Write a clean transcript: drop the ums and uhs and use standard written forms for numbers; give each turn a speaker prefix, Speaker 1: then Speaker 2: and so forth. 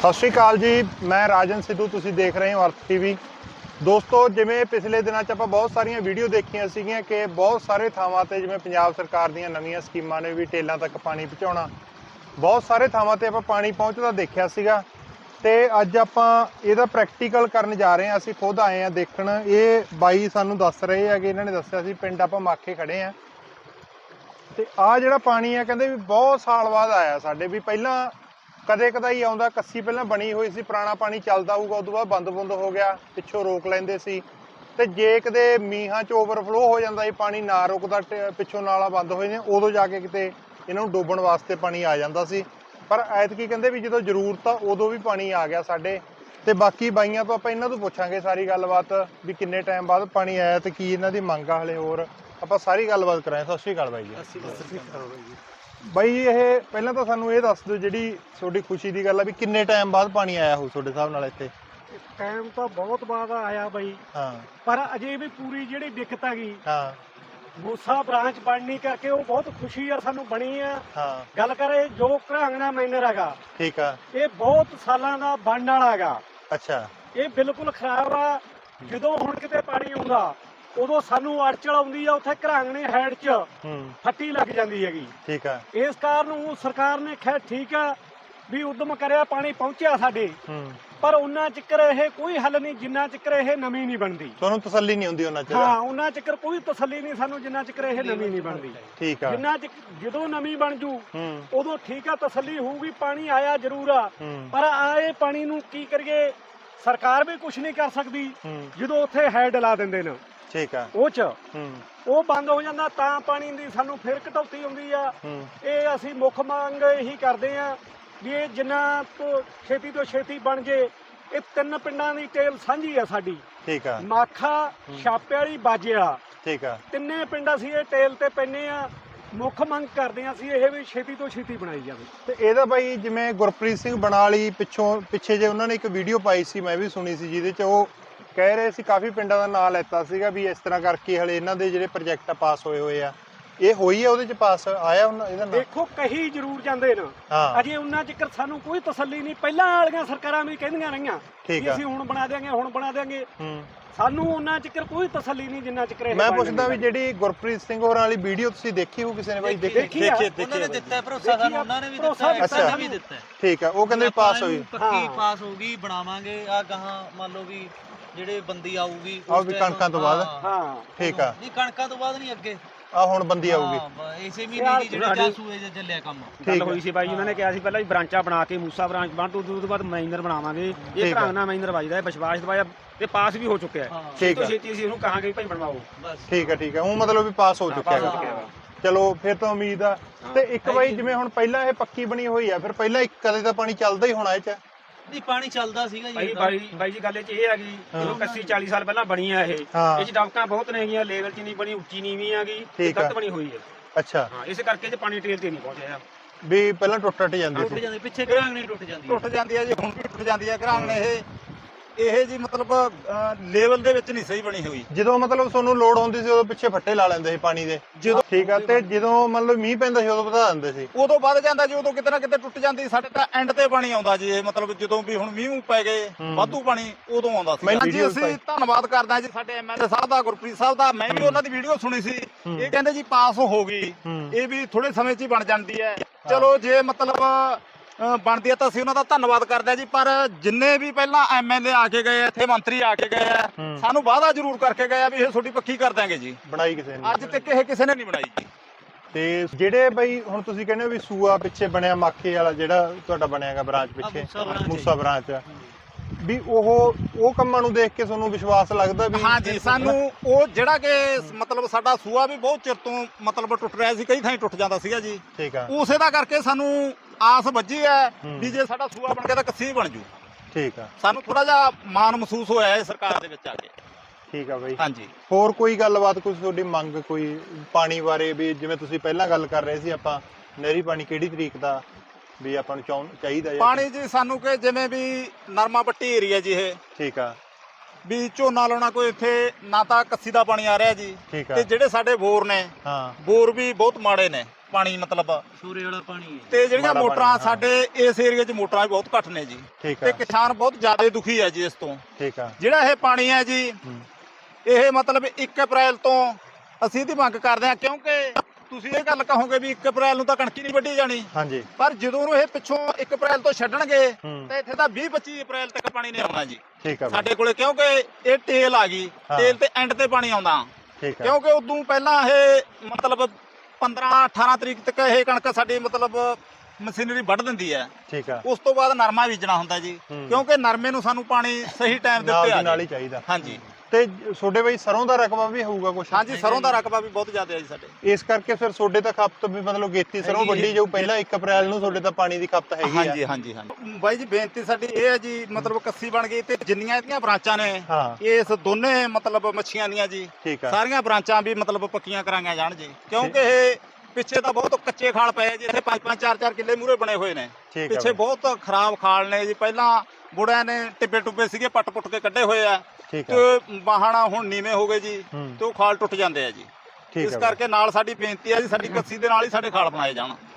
Speaker 1: ਸਤਿ ਸ਼੍ਰੀ ਅਕਾਲ ਜੀ, ਮੈਂ ਰਾਜਨ ਸਿੱਧੂ। ਤੁਸੀਂ ਦੇਖ ਰਹੇ ਹੋ ਅਰਥ ਟੀਵੀ। ਦੋਸਤੋ, ਜਿਵੇਂ ਪਿਛਲੇ ਦਿਨਾਂ 'ਚ ਆਪਾਂ ਬਹੁਤ ਸਾਰੀਆਂ ਵੀਡੀਓ ਦੇਖੀਆਂ ਸੀਗੀਆਂ ਕਿ ਬਹੁਤ ਸਾਰੇ ਥਾਵਾਂ ਤੇ ਜਿਵੇਂ ਪੰਜਾਬ ਸਰਕਾਰ ਦੀਆਂ ਨਵੀਆਂ ਸਕੀਮਾਂ ਨੇ ਵੀ ਟੇਲਾਂ ਤੱਕ ਪਾਣੀ ਪਹੁੰਚਾਉਣਾ, ਬਹੁਤ ਸਾਰੇ ਥਾਵਾਂ ਤੇ ਆਪਾਂ ਪਾਣੀ ਪਹੁੰਚਦਾ ਦੇਖਿਆ ਸੀਗਾ। ਤੇ ਅੱਜ ਆਪਾਂ ਇਹਦਾ ਪ੍ਰੈਕਟੀਕਲ ਕਰਨ ਜਾ ਰਹੇ ਹਾਂ। ਅਸੀਂ ਖੁਦ ਆਏ ਹਾਂ ਦੇਖਣ। ਇਹ ਬਾਈ ਸਾਨੂੰ ਦੱਸ ਰਹੇ ਹੈਗੇ, ਇਹਨਾਂ ਨੇ ਦੱਸਿਆ ਸੀ ਪਿੰਡ ਆਪਾਂ ਮਾਖੇ ਖੜੇ ਹਾਂ ਤੇ ਆਹ ਜਿਹੜਾ ਪਾਣੀ ਆ ਕਹਿੰਦੇ ਵੀ ਬਹੁਤ ਸਾਲ ਬਾਅਦ ਆਇਆ ਸਾਡੇ। ਵੀ ਪਹਿਲਾਂ ਕਦੇ ਕਦਾਈ ਆਉਂਦਾ, ਕੱਸੀ ਪਹਿਲਾਂ ਬਣੀ ਹੋਈ ਸੀ, ਪੁਰਾਣਾ ਪਾਣੀ ਚੱਲਦਾ ਹੋਊਗਾ, ਉਦੋਂ ਬਾਅਦ ਬੰਦ ਹੋ ਗਿਆ, ਪਿੱਛੋਂ ਰੋਕ ਲੈਂਦੇ ਸੀ। ਤੇ ਜੇ ਕਿਤੇ ਮੀਂਹਾਂ 'ਚ ਓਵਰਫਲੋ ਹੋ ਜਾਂਦਾ ਸੀ, ਪਾਣੀ ਨਾ ਰੁਕਦਾ, ਪਿੱਛੋਂ ਨਾਲਾ ਬੰਦ ਹੋ ਜਾਂਦੇ, ਉਦੋਂ ਜਾ ਕੇ ਕਿਤੇ ਇਹਨਾਂ ਨੂੰ ਡੋਬਣ ਵਾਸਤੇ ਪਾਣੀ ਆ ਜਾਂਦਾ ਸੀ। ਪਰ ਐਤਕੀ ਕਹਿੰਦੇ ਵੀ ਜਦੋਂ ਜ਼ਰੂਰਤ ਆ ਉਦੋਂ ਵੀ ਪਾਣੀ ਆ ਗਿਆ ਸਾਡੇ। ਤੇ ਬਾਕੀ ਬਾਈਆਂ ਤੋਂ ਆਪਾਂ ਇਹਨਾਂ ਤੋਂ ਪੁੱਛਾਂਗੇ ਸਾਰੀ ਗੱਲਬਾਤ ਵੀ ਕਿੰਨੇ ਟਾਈਮ ਬਾਅਦ ਪਾਣੀ ਆਇਆ ਤੇ ਕੀ ਇਹਨਾਂ ਦੀ ਮੰਗ ਆ। ਹਲੇ ਹੋਰ ਆਪਾਂ ਸਾਰੀ ਗੱਲਬਾਤ ਕਰਾਂਗੇ। ਸਤਿ ਸ਼੍ਰੀ ਅਕਾਲ ਬਾਈ ਜੀ। ਬਾਈ ਇਹ ਪਹਿਲਾਂ ਤਾਂ ਸਾਨੂੰ ਇਹ ਦੱਸ ਦਿਓ, ਜਿਹੜੀ ਤੁਹਾਡੀ ਖੁਸ਼ੀ ਦੀ ਗੱਲ ਆ ਵੀ ਕਿੰਨੇ ਟਾਈਮ ਬਾਅਦ ਪਾਣੀ ਆਇਆ ਹੋ ਤੁਹਾਡੇ ਹਿਸਾਬ ਨਾਲ ਇੱਥੇ?
Speaker 2: ਟਾਈਮ ਤਾਂ ਬਹੁਤ ਬਾਅਦ ਆਇਆ ਬਾਈ।
Speaker 1: ਹਾਂ, ਪਰ
Speaker 2: ਅਜੇ ਵੀ ਪੂਰੀ ਜਿਹੜੀ ਦਿੱਕਤ ਹੈਗੀ
Speaker 1: ਹਾਂ
Speaker 2: ਮੂਸਾ ਬ੍ਰਾਂਚ ਬਣਨੀ ਕਰਕੇ ਉਹ ਬਹੁਤ ਖੁਸ਼ੀ ਆ ਸਾਨੂੰ ਬਣੀ ਆ।
Speaker 1: ਹਾਂ,
Speaker 2: ਗੱਲ ਕਰੇ ਜੋ ਘਰਾਂਗਣਾ ਮਾਈਨਰ ਹੈਗਾ,
Speaker 1: ਠੀਕ ਆ,
Speaker 2: ਇਹ ਬਹੁਤ ਸਾਲਾਂ ਦਾ ਬਣਨ ਵਾਲਾ ਹੈਗਾ।
Speaker 1: ਅੱਛਾ,
Speaker 2: ਇਹ ਬਿਲਕੁਲ ਖਰਾਬ ਆ। ਜਦੋਂ ਹੁਣ ਕਿਤੇ ਪਾਣੀ ਆਉਂਦਾ ਉਦੋਂ ਸਾਨੂੰ ਅੜਚਲ ਆਉਂਦੀ ਆ, ਉੱਥੇ ਘਰਾਂਗਣੇ ਹੈਡ 'ਚ ਫੱਟੀ ਲੱਗ ਜਾਂਦੀ ਹੈਗੀ।
Speaker 1: ਠੀਕ ਆ।
Speaker 2: ਇਸ ਕਾਰਨ ਸਰਕਾਰ ਨੇ ਖੈਰ ਠੀਕ ਆ ਵੀ ਉਦਮ ਕਰਿਆ, ਪਾਣੀ ਪਹੁੰਚਿਆ ਸਾਡੇ, ਪਰ ਉਹਨਾਂ ਚਿਕਰ ਇਹ ਕੋਈ ਹੱਲ ਨਹੀਂ ਜਿੰਨਾ ਚਿਕਰ ਇਹ ਨਵੀਂ ਨਹੀਂ ਬਣਦੀ।
Speaker 1: ਤੁਹਾਨੂੰ ਤਸੱਲੀ ਨਹੀਂ ਹੁੰਦੀ ਉਹਨਾਂ ਚਿਰ?
Speaker 2: ਹਾਂ, ਉਹਨਾਂ ਚਿਕਰ ਕੋਈ ਤਸੱਲੀ ਨਹੀਂ ਸਾਨੂੰ ਜਿੰਨਾ ਚਿਕਰ ਇਹ ਨਵੀਂ ਨਹੀਂ ਬਣਦੀ।
Speaker 1: ਠੀਕ ਆ।
Speaker 2: ਜਿੰਨਾ ਜਦੋਂ ਨਵੀਂ ਬਣ ਜੂ ਉਦੋਂ ਠੀਕ ਆ, ਤਸੱਲੀ ਹੋਊਗੀ। ਪਾਣੀ ਆਇਆ ਜ਼ਰੂਰ ਆ, ਪਰ ਆਏ ਪਾਣੀ ਨੂੰ ਕੀ ਕਰੀਏ? ਸਰਕਾਰ ਵੀ ਕੁਝ ਨਹੀਂ ਕਰ ਸਕਦੀ ਜਦੋਂ ਉੱਥੇ ਹੈਡ ਲਾ ਦਿੰਦੇ ਨੇ। ਠੀਕ ਆ। ਉਹ ਬੰਦ ਹੋ ਜਾਂਦਾ ਤਾਂ ਪਾਣੀ ਦੀ ਸਾਨੂੰ ਫਿਰ ਕਟੌਤੀ ਹੁੰਦੀ ਆ। ਇਹ ਅਸੀਂ ਮੁੱਖ ਮੰਗ ਇਹੀ ਕਰਦੇ ਆ ਵੀ ਇਹ ਜਿੰਨਾ ਤੋਂ ਛੇਤੀ ਬਣ ਜੇ। ਇਹ ਤਿੰਨ ਪਿੰਡਾਂ ਦੀ ਟੇਲ ਸਾਂਝੀ ਆ ਸਾਡੀ। ਠੀਕ ਆ। ਮਾਖਾ, ਛਾਪੇ ਵਾਲੀ, ਬਾਜੇ ਵਾਲਾ। ਠੀਕ ਆ। ਤਿੰਨੇ ਪਿੰਡ ਅਸੀਂ ਇਹ ਟੇਲ ਤੇ ਪੈਨੇ ਆ। ਮੁੱਖ ਮੰਗ ਕਰਦੇ ਆ ਅਸੀਂ ਇਹ ਵੀ ਛੇਤੀ ਤੋਂ ਛੇਤੀ ਬਣਾਈ ਜਾਵੇ।
Speaker 1: ਤੇ ਇਹਦਾ ਬਾਈ ਜਿਵੇਂ ਗੁਰਪ੍ਰੀਤ ਸਿੰਘ ਬਣਾਲੀ ਪਿੱਛੇ ਜੇ ਉਹਨਾਂ ਨੇ ਇੱਕ ਵੀਡੀਓ ਪਾਈ ਸੀ, ਮੈਂ ਵੀ ਸੁਣੀ ਸੀ, ਜਿਹਦੇ 'ਚ ਉਹ ਕਹਿ ਰਹੇ ਸੀ ਕਾਫੀ ਪਿੰਡਾਂ ਦਾ ਨਾਂ ਲੈਤਾ ਸੀਗਾ ਵੀ ਇਸ ਤਰ੍ਹਾਂ ਕਰਕੇ ਹਲੇ ਇਹਨਾਂ ਦੇ ਜਿਹੜੇ ਪ੍ਰੋਜੈਕਟ ਪਾਸ ਹੋਏ ਆ। ਇਹ ਹੋਈ ਆ ਉਹਦੇ 'ਚ ਪਾਸ ਆਇਆ ਇਹਦਾ ਨਾਂ?
Speaker 2: ਦੇਖੋ ਕਹੀ ਜ਼ਰੂਰ ਜਾਂਦੇ ਨੇ, ਅਜੇ ਉਹਨਾਂ ਚਿਕਰ ਸਾਨੂੰ ਕੋਈ ਤਸੱਲੀ ਨਹੀਂ। ਪਹਿਲਾਂ ਵਾਲੀਆਂ ਸਰਕਾਰਾਂ ਵੀ ਕਹਿੰਦੀਆਂ ਰਹੀਆਂ ਕਿ ਅਸੀਂ ਹੁਣ ਬਣਾ ਦਿਆਂਗੇ, ਸਾਨੂੰ ਉਹਨਾਂ ਚਿਕਰ ਕੋਈ ਤਸੱਲੀ ਨਹੀਂ ਜਿੰਨਾ ਚਿਕਰ।
Speaker 1: ਮੈਂ ਪੁੱਛਦਾ ਵੀ ਜਿਹੜੀ ਗੁਰਪ੍ਰੀਤ ਸਿੰਘ ਹੋਰਾਂ ਵਾਲੀ ਵੀਡੀਓ ਤੁਸੀਂ ਦੇਖੀ ਹੋ ਕਿਸੇ ਨੇ ਬਾਈ?
Speaker 2: ਦੇਖੀ
Speaker 3: ਉਹਨਾਂ ਨੇ ਦਿੱਤਾ ਭਰੋਸਾ ਸਾਨੂੰ, ਉਹਨਾਂ ਨੇ ਵੀ ਦਿੱਤਾ।
Speaker 1: ਠੀਕ ਆ। ਉਹ ਕਹਿੰਦੇ ਪਾਸ ਹੋਈ,
Speaker 3: ਪੱਕੀ ਪਾਸ ਹੋਊਗੀ, ਬਣਾਵਾਂਗੇ। ਆ ਗਾਹਾਂ ਮੰਨ ਲਓ ਵੀ ਜਿਹੜੇ ਬੰਦੀ ਆਊਗੀ
Speaker 1: ਉਹ ਵੀ ਕਣਕਾਂ ਤੋਂ ਬਾਅਦ। ਹਾਂ, ਠੀਕ ਆ।
Speaker 3: ਨਹੀਂ, ਕਣਕਾਂ ਤੋਂ ਬਾਅਦ ਨਹੀਂ, ਅੱਗੇ
Speaker 1: ਆ ਹੁਣ ਬੰਦੀ ਆਊਗੀ
Speaker 3: ਇਸੇ ਮਹੀਨੇ ਦੀ ਜਿਹੜੇ ਜਾਸੂਏ ਜੇ ਚੱਲਿਆ ਕੰਮ।
Speaker 2: ਗੱਲ ਹੋਈ ਸੀ ਬਾਈ, ਉਹਨਾਂ ਨੇ ਕਿਹਾ ਸੀ ਪਹਿਲਾਂ ਵੀ ਬ੍ਰਾਂਚਾਂ ਬਣਾ ਕੇ ਮੂਸਾ ਬ੍ਰਾਂਚ ਬਣ ਤੋਂ ਉਦੋਂ ਬਾਅਦ ਮਾਈਨਰ ਬਣਾਵਾਂਗੇ। ਇਹ ਘਰਾਂਗਣਾ ਮਾਈਨਰ ਵੱਜਦਾ ਹੈ, ਵਿਸ਼ਵਾਸ ਦਵਾਇਆ ਤੇ ਪਾਸ ਵੀ ਹੋ ਚੁੱਕਿਆ ਹੈ। ਛੇਤੀ ਅਸੀਂ ਉਹਨੂੰ ਕਹਾਂਗੇ ਵੀ ਭਾਈ ਬਣਵਾਓ। ਠੀਕ ਆ। ਉਹ ਮਤਲਬ ਵੀ ਪਾਸ ਹੋ ਚੁੱਕਿਆ ਹੈ। ਚਲੋ ਫਿਰ ਤਾਂ ਉਮੀਦ ਆ। ਤੇ ਇੱਕ ਬਾਈ ਜਿਵੇਂ ਹੁਣ ਪਹਿਲਾਂ ਇਹ ਪੱਕੀ ਬਣੀ ਹੋਈ ਆ, ਫਿਰ ਪਹਿਲਾਂ ਇੱਕ ਕਦੇ ਤਾਂ ਪਾਣੀ ਚੱਲਦਾ ਹੀ ਹੋਣਾ ਇਹ 'ਚ?
Speaker 3: ਨਹੀਂ, ਪਾਣੀ ਚੱਲਦਾ ਸੀਗਾ ਜੀ।
Speaker 2: ਬਾਈ ਜੀ ਗੱਲ ਇਹ ਹੈਗੀ, ਜਦੋਂ 80-40 ਸਾਲ ਪਹਿਲਾਂ ਬਣੀ ਆ ਇਹ 'ਚ ਡਬਕਾਂ ਬਹੁਤ ਨੇ ਹੈਗੀਆਂ, ਲੈਵਲ 'ਚ ਨਹੀਂ ਬਣੀ, ਉੱਚੀ ਨੀਵੀਂ ਆ ਗਈ, ਗਲਤ ਬਣੀ ਹੋਈ ਹੈ। ਅੱਛਾ। ਹਾਂ, ਇਸ ਕਰਕੇ ਜੇ ਪਾਣੀ ਟੇਲ ਤੇ ਨਹੀਂ ਪਹੁੰਚਿਆ
Speaker 1: ਵੀ ਪਹਿਲਾਂ ਟੁੱਟ ਜਾਂਦੀ
Speaker 3: ਸੀ, ਪਿੱਛੇ ਘਰਾਂਗਣੇ ਟੁੱਟ ਜਾਂਦੀ
Speaker 4: ਆ ਜੀ। ਹੁਣ ਵੀ ਟੁੱਟ ਜਾਂਦੀ ਆ ਘਰਾਂਗਣੇ। ਇਹ ਜੀ ਮਤਲਬ ਲੈਵਲ ਦੇ ਵਿੱਚ ਨਹੀਂ ਸਹੀ ਬਣੀ ਹੋਈ।
Speaker 1: ਜਦੋਂ ਮਤਲਬ ਤੁਹਾਨੂੰ ਲੋੜ ਹੁੰਦੀ ਸੀ ਉਦੋਂ ਪਿੱਛੇ ਫੱਟੇ ਲਾ ਲੈਂਦੇ ਸੀ ਪਾਣੀ ਦੇ? ਠੀਕ ਆ। ਤੇ ਜਦੋਂ ਮਤਲਬ ਮੀਂਹ ਪੈਂਦਾ ਸੀ ਉਦੋਂ ਵਧਾ ਦਿੰਦੇ ਸੀ?
Speaker 4: ਉਦੋਂ ਵੱਧ ਜਾਂਦਾ ਜੀ, ਉਦੋਂ ਕਿਤੇ ਨਾ ਕਿਤੇ ਟੁੱਟ ਜਾਂਦੀ। ਸਾਡੇ ਤਾਂ ਐਂਡ ਤੇ ਪਾਣੀ ਆਉਂਦਾ ਜੀ। ਇਹ ਮਤਲਬ ਜਦੋਂ ਵੀ ਹੁਣ ਮੀਂਹ ਪੈ ਗਏ ਵਾਧੂ ਪਾਣੀ ਉਦੋਂ ਆਉਂਦਾ ਸੀ ਜੀ। ਅਸੀਂ ਧੰਨਵਾਦ ਕਰਦੇ ਹਾਂ ਜੀ ਸਾਡੇ ਐਮਐਲਏ ਸਾਹਿਬ ਦਾ, ਗੁਰਪ੍ਰੀਤ ਸਾਹਿਬ ਦਾ। ਮੈਂ ਵੀ ਉਹਨਾਂ ਦੀ ਵੀਡੀਓ ਸੁਣੀ ਸੀ। ਇਹ ਕਹਿੰਦੇ ਜੀ ਪਾਸ ਹੋ ਗਈ, ਇਹ ਵੀ ਥੋੜੇ ਸਮੇਂ 'ਚ ਹੀ ਬਣ ਜਾਂਦੀ ਹੈ। ਚਲੋ ਜੇ ਮਤਲਬ ਬਣਦੀ ਹੈ ਤਾਂ ਅਸੀਂ ਉਹਨਾਂ ਦਾ ਧੰਨਵਾਦ ਕਰਦੇ ਹਾਂ ਜੀ। ਪਰ ਜਿੰਨੇ ਵੀ ਪਹਿਲਾਂ ਐਮਐਲਏ ਆ ਕੇ ਗਏ, ਇੱਥੇ ਮੰਤਰੀ ਆ ਕੇ ਗਏ ਆ, ਸਾਨੂੰ ਵਾਅਦਾ ਜ਼ਰੂਰ ਕਰਕੇ ਗਏ ਆ ਵੀ ਇਹ ਤੁਹਾਡੀ ਪੱਕੀ ਕਰ ਦਾਂਗੇ ਜੀ।
Speaker 1: ਬਣਾਈ ਕਿਸੇ ਨੇ
Speaker 4: ਅੱਜ ਤੱਕ ਇਹ ਕਿਸੇ ਨੇ ਨਹੀਂ ਬਣਾਈ ਜੀ।
Speaker 1: ਤੇ ਜਿਹੜੇ ਬਈ ਹੁਣ ਤੁਸੀਂ ਕਹਿੰਦੇ ਹੋ ਵੀ ਸੂਆ ਪਿੱਛੇ ਬਣਿਆ, ਮਾਖੇ ਵਾਲਾ ਜਿਹੜਾ ਤੁਹਾਡਾ ਬਣਿਆਗਾ ਬ੍ਰਾਂਚ ਪਿੱਛੇ, ਮੂਸਾ ਬ੍ਰਾਂਚ, ਵੀ ਉਹ ਕੰਮਾਂ ਨੂੰ ਦੇਖ ਕੇ ਤੁਹਾਨੂੰ ਵਿਸ਼ਵਾਸ ਲੱਗਦਾ ਵੀ?
Speaker 4: ਹਾਂ ਜੀ, ਸਾਨੂੰ ਉਹ ਜਿਹੜਾ ਕਿ ਮਤਲਬ ਸਾਡਾ ਸੂਆ ਵੀ ਬਹੁਤ ਚਿਰ ਤੋਂ ਮਤਲਬ ਟੁੱਟ ਰਿਹਾ ਸੀ, ਕਈ ਥਾਈਂ ਟੁੱਟ ਜਾਂਦਾ ਸੀਗਾ ਜੀ।
Speaker 1: ਠੀਕ ਆ।
Speaker 4: ਉਸੇ ਦਾ ਕਰਕੇ ਸਾਨੂੰ ਆਸ ਵੱਜੀ ਹੈ ਵੀ ਜੇ ਸਾਡਾ ਸੂਆ ਬਣ ਕੇ ਤਾਂ ਕੱਸੀ ਬਣ ਜੂ। ਠੀਕ ਆ। ਸਾਨੂੰ ਥੋੜਾ ਜਿਹਾ ਮਾਣ ਮਹਿਸੂਸ ਹੋਇਆ ਹੈ ਸਰਕਾਰ ਦੇ ਵਿੱਚ ਆ ਕੇ।
Speaker 1: ਠੀਕ ਆ ਬਾਈ।
Speaker 4: ਹਾਂਜੀ।
Speaker 1: ਹੋਰ ਕੋਈ ਗੱਲਬਾਤ, ਕੋਈ ਤੁਹਾਡੀ ਮੰਗ ਕੋਈ ਪਾਣੀ ਬਾਰੇ? ਵੀ ਜਿਵੇਂ ਤੁਸੀਂ ਪਹਿਲਾਂ ਗੱਲ ਕਰ ਰਹੇ ਸੀ, ਆਪਾਂ ਨਹਿਰੀ ਪਾਣੀ ਕਿਹੜੀ ਤਰੀਕ ਦਾ ਵੀ ਆਪਾਂ ਨੂੰ ਚਾਹੀਦਾ
Speaker 4: ਪਾਣੀ ਜੀ? ਸਾਨੂੰ ਕਿ ਜਿਵੇਂ ਵੀ ਨਰਮਾ ਪੱਟੀ ਏਰੀਆ ਜੀ ਇਹ।
Speaker 1: ਠੀਕ ਆ।
Speaker 4: ਵੀ ਝੋਨਾ ਲਾਉਣਾ ਕੋਈ ਇੱਥੇ ਨਾ ਤਾਂ ਕੱਸੀ ਦਾ ਪਾਣੀ ਆ ਰਿਹਾ ਜੀ। ਤੇ ਜਿਹੜੇ ਸਾਡੇ ਬੋਰ ਨੇ, ਬੋਰ ਵੀ ਬਹੁਤ ਮਾੜੇ ਨੇ। ਪਾਣੀ ਮਤਲਬ
Speaker 3: ਸੂਰੇ ਵਾਲਾ ਪਾਣੀ ਹੈ
Speaker 4: ਤੇ ਜਿਹੜੀਆਂ
Speaker 1: ਮਾੜਾ
Speaker 4: ਮੋਟਰਾਂ
Speaker 1: ਪਾਣੀ, ਹਾਂ।
Speaker 4: ਸਾਡੇ ਇਸ ਏਰੀਏ 'ਚ ਮੋਟਰਾਂ ਵੀ ਬਹੁਤ ਘੱਟ ਨੇ ਜੀ
Speaker 1: ਠੀਕ
Speaker 4: ਤੇ
Speaker 1: ਆ
Speaker 4: ਕਿਸਾਨ ਬਹੁਤ ਜ਼ਿਆਦਾ ਦੁਖੀ ਹੈ ਜੀ ਇਸ ਤੋਂ।
Speaker 1: ਠੀਕ ਆ
Speaker 4: ਜਿਹੜਾ ਇਹ ਪਾਣੀ ਹੈ ਜੀ
Speaker 1: ਹੂੰ।
Speaker 4: ਇਹ ਮਤਲਬ 1 ਅਪ੍ਰੈਲ ਤੋਂ ਅਸੀਂ ਇਹਦੀ ਮੰਗ ਕਰਦੇ ਹਾਂ, ਕਿਉਂਕਿ ਤੁਸੀਂ ਇਹ ਗੱਲ ਕਹੋਗੇ ਵੀ 1 ਅਪ੍ਰੈਲ ਨੂੰ ਤਾਂ ਕਣਕ ਹੀ ਨਹੀਂ ਵੱਢੀ ਜਾਣੀ,
Speaker 1: ਹਾਂਜੀ
Speaker 4: ਪਰ ਜਦੋਂ ਨੂੰ ਇਹ ਪਿੱਛੋਂ 1 ਅਪ੍ਰੈਲ ਤੋਂ ਛੱਡਣਗੇ
Speaker 1: ਹੂੰ।
Speaker 4: ਤਾਂ ਇੱਥੇ ਤਾਂ 20-25 ਅਪ੍ਰੈਲ ਤੱਕ ਪਾਣੀ ਨਹੀਂ ਆਉਣਾ ਜੀ
Speaker 1: ਠੀਕ ਆ ਬਾਈ,
Speaker 4: ਸਾਡੇ ਕੋਲੇ, ਕਿਉਂਕਿ ਇਹ ਟੇਲ ਆ ਗਈ,
Speaker 1: ਹਾਂ।
Speaker 4: ਟੇਲ ਤੇ ਐਂਡ ਤੇ ਪਾਣੀ ਆਉਂਦਾ,
Speaker 1: ਠੀਕ ਆ
Speaker 4: ਕਿਉਂਕਿ ਉਦੋਂ ਪਹਿਲਾਂ ਇਹ ਮਤਲਬ 15-18 ਤਰੀਕ ਤੱਕ ਇਹ ਕਣਕ ਸਾਡੀ ਮਤਲਬ ਮਸ਼ੀਨਰੀ ਵੱਢ ਦਿੰਦੀ ਹੈ।
Speaker 1: ਠੀਕ ਆ
Speaker 4: ਉਸ ਤੋਂ ਬਾਅਦ ਨਰਮਾ ਬੀਜਣਾ ਹੁੰਦਾ ਜੀ,
Speaker 1: ਹੂੰ।
Speaker 4: ਕਿਉਂਕਿ ਨਰਮੇ ਨੂੰ ਸਾਨੂੰ ਪਾਣੀ ਸਹੀ ਟਾਈਮ ਦੇ
Speaker 1: ਨਾਲ
Speaker 4: ਉੱਤੇ
Speaker 1: ਦੀ
Speaker 4: ਆ
Speaker 1: ਨਾਲ ਹੀ
Speaker 4: ਜੀ।
Speaker 1: ਚਾਹੀਦਾ।
Speaker 4: ਹਾਂਜੀ
Speaker 1: ਤੇ ਤੁਹਾਡੇ ਬਈ ਸਰੋਂ ਦਾ ਰਕਬਾ ਵੀ ਹੋਊਗਾ ਕੁਛ?
Speaker 4: ਹਾਂਜੀ, ਸਰੋਂ ਦਾ ਰਕਬਾ ਵੀ ਬਹੁਤ ਜ਼ਿਆਦਾ ਹੈ ਜੀ ਸਾਡੇ।
Speaker 1: ਇਸ ਕਰਕੇ ਫਿਰ ਤੁਹਾਡੇ ਤਾਂ ਖਪਤ ਵੀ ਮਤਲਬ ਗੇਤੀ ਸਰੋਂ
Speaker 3: ਹੈਗੀ ਹੈ।
Speaker 1: ਵੱਢੀ ਜਾਊ ਪਹਿਲਾਂ 1 ਅਪ੍ਰੈਲ ਨੂੰ, ਤੁਹਾਡੇ ਤਾਂ ਪਾਣੀ ਦੀ ਖਪਤ ਹੈਗੀ ਆ।
Speaker 4: ਹਾਂਜੀ ਹਾਂਜੀ ਹਾਂਜੀ ਬਾਈ ਜੀ, ਬੇਨਤੀ ਸਾਡੀ ਇਹ ਹੈ ਜੀ, ਮਤਲਬ ਕੱਸੀ ਬਣ ਗਈ ਤੇ ਜਿੰਨੀਆਂ ਇਹਦੀਆਂ ਬ੍ਰਾਂਚਾਂ ਨੇ
Speaker 1: ਹਾਂ
Speaker 4: ਇਸ ਦੋਨੇ ਮਤਲਬ ਮੱਛੀਆਂ ਦੀਆਂ ਜੀ
Speaker 1: ਠੀਕ ਆ
Speaker 4: ਸਾਰੀਆਂ ਬ੍ਰਾਂਚਾਂ ਵੀ ਮਤਲਬ ਪੱਕੀਆਂ ਕਰਾਈਆਂ ਜਾਣ ਜੀ, ਕਿਉਂਕਿ ਇਹ ਪਿੱਛੇ ਤਾਂ ਬਹੁਤ ਕੱਚੇ ਖਾਲ ਪਏ ਜੀ, ਇੱਥੇ 5-5 4-4 ਕਿੱਲੇ ਮੂਰੇ ਬਣੇ ਹੋਏ ਨੇ,
Speaker 1: ਠੀਕ ਆ
Speaker 4: ਪਿੱਛੇ
Speaker 1: ਬਾਈ,
Speaker 4: ਬਹੁਤ ਖਰਾਬ ਖਾਲ ਨੇ ਜੀ। ਪਹਿਲਾਂ ਬੁੜਿਆਂ ਨੇ ਟਿੱਬੇ ਟੁੱਬੇ ਸੀਗੇ, ਪੱਟ ਕੇ ਕੱਢੇ ਹੋਏ ਆ
Speaker 1: ਠੀਕ ਆ
Speaker 4: ਤੇ ਬਾਹਣਾ ਹੁਣ ਨੀਵੇਂ ਹੋ ਗਏ ਜੀ
Speaker 1: ਹੂੰ।
Speaker 4: ਤੇ ਉਹ ਖਾਲ ਟੁੱਟ ਜਾਂਦੇ ਆ ਜੀ।
Speaker 1: ਠੀਕ
Speaker 4: ਇਸ
Speaker 1: ਆ
Speaker 4: ਕਰਕੇ ਨਾਲ ਸਾਡੀ ਬੇਨਤੀ ਹੈ ਜੀ, ਸਾਡੀ ਕੱਸੀ ਦੇ ਨਾਲ ਹੀ ਸਾਡੇ ਖਾਲ ਬਣਾਏ ਜਾਣ।